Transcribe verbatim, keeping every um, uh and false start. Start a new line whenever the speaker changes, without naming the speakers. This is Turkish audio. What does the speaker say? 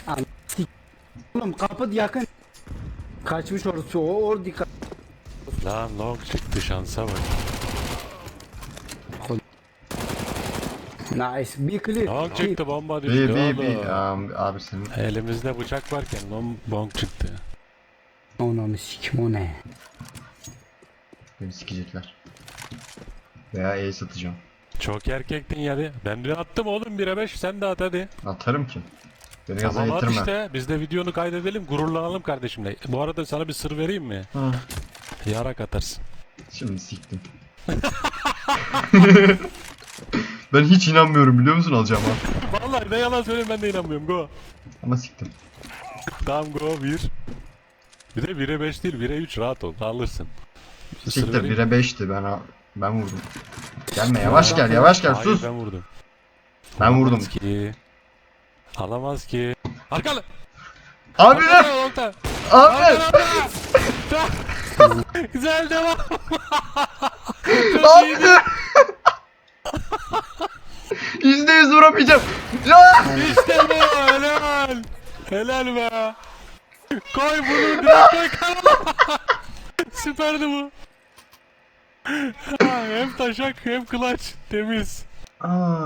An- sik- Oğlum kapı yakın. Kaçmış orası o or dikkat.
Lan long çıktı, şansa bak.
Nice. Bir clear.
Long çıktı, bomba
Bir
düştü
bir bir
oğlum.
um, abi senin
Elimizde bıçak varken long, long çıktı.
Onu sikim o ne?
beni sikecekler. Veya E satacağım.
Çok erkektin yani. Ben de attım oğlum bire beş, sen de at hadi.
Atarım ki. Beni gaza
Tamam at
getirme.
işte. Biz de videonu kaydedelim, gururlanalım kardeşimle. Bu arada sana bir sır vereyim mi?
Hı.
Yarak atarsın.
Şimdi siktim. Ben hiç inanmıyorum biliyor musun alacağıma?
Vallahi ne yalan söyleyeyim, ben de inanmıyorum. Go.
Ama siktim.
Tamam go bir. Bir de bire beş değil, bire üç, rahat ol. Alırsın. Sır
Siktir
vereyim mi?
bire beşti ben a- ben vurdum. Gelme yavaş gel yavaş gel
Hayır,
sus.
ben vurdum.
Ben vurdum.
Alamaz ki. Alamaz ki. Arkalı.
Abi ne?
Arkalı, orta.
Abi.
Arkalı. Güzel devam. Çok
Abi.
iyiydi.
Yüzde yüz vuramayacağım. Ya!
İşte bu. Helal. Helal be. Koy bunu direkt koy kanala. Süperdi bu. Ha, hem taşak hem clutch. Temiz.
Aa.